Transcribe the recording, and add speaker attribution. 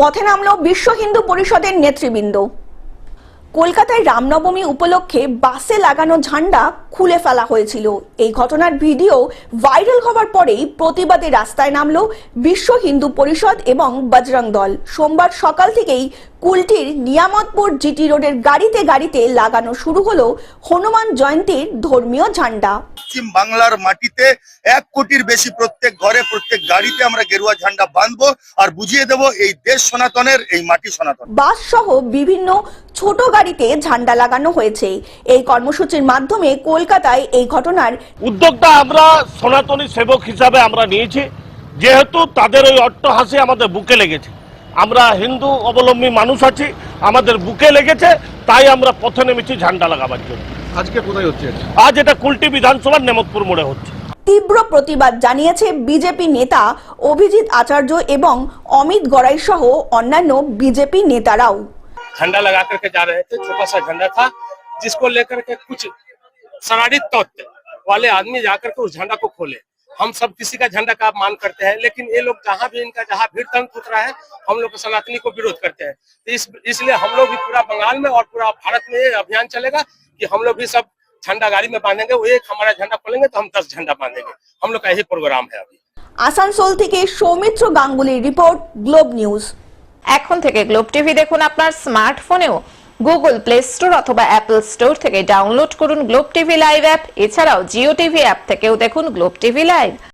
Speaker 1: পথে নামল বিশ্ব হিন্দু পরিষদের নেতৃবৃন্দ। কলকাতায় রামনবমী উপলক্ষে বাসে লাগানো ঝান্ডা খুলে ফেলা হয়েছিল। এই ঘটনার ভিডিও ভাইরাল হওয়ার পরেই প্রতিবাদে রাস্তায় নামল বিশ্ব হিন্দু পরিষদ এবং বজরং দল। সোমবার সকাল থেকেই কুলটির নিয়ামতপুর জিটি রোডের গাড়িতে গাড়িতে লাগানো শুরু হলো হনুমান জয়ন্তীর ধর্মীয় ঝান্ডা।
Speaker 2: পশ্চিম বাংলার মাটিতে 1 কোটির বেশি প্রত্যেক ঘরে প্রত্যেক গাড়িতে আমরা গেরুয়া ঝান্ডা বাঁধবো আর বুঝিয়ে দেব এই দেশ সনাতনের, এই মাটি সনাতন।
Speaker 1: বাস সহ বিভিন্ন ছোট গাড়িতে ঝান্ডা লাগানো হয়েছে। এই কর্মসূচির মাধ্যমে কলকাতায় এই ঘটনার
Speaker 3: উদ্যোগটা আমরা সনাতনী সেবক হিসাবে আমরা নিয়েছি, যেহেতু তাদের ওই অট্টহাসি আমাদের বুকে লেগেছে। আমরা হিন্দু অবলম্বী মানুষ আছি, আমাদের বুকে লেগেছে, তাই আমরা পথে নেমেছি ঝান্ডা লাগাবার জন্য।
Speaker 4: আজকে কোথায় হচ্ছে?
Speaker 3: আজ এটা কুলটি বিধানসভার নেমতপুর মোড়ে হচ্ছে।
Speaker 1: তীব্র প্রতিবাদ জানিয়েছে বিজেপি নেতা অভিজিৎ আচার্য এবং অমিত গড়াই সহ অন্যান্য বিজেপি নেতারাও।
Speaker 5: झंडा लगा करके जा रहे थे। छोटा सा झंडा था जिसको लेकर के कुछ शरारती तत्व वाले आदमी जाकर के उस झंडा को खोले। हम सब किसी का झंडा का मान करते हैं, लेकिन ये लोग जहाँ भी इनका जहाँ भीड़ तंत्र उतरा है, हम लोग सनातनी को विरोध करते हैं। तो इसलिए हम लोग भी पूरा बंगाल में और पूरा भारत में ये अभियान चलेगा कि हम लोग भी सब झंडा गाड़ी में बांधेंगे। वो एक हमारा झंडा खोलेंगे तो हम 10 झंडा बांधेंगे। हम लोग का यही प्रोग्राम है। अभी
Speaker 1: আসানসোল থেকে সৌমিত্র গাঙ্গুলির রিপোর্ট, গ্লোব নিউজ।
Speaker 6: এখন থেকে গ্লোব টিভি দেখুন আপনার স্মার্টফোনেও। গুগল প্লে স্টোর অথবা অ্যাপল স্টোর থেকে ডাউনলোড করুন গ্লোব টিভি লাইভ অ্যাপ। এছাড়াও জিও টিভি অ্যাপ থেকেও দেখুন গ্লোব টিভি লাইভ।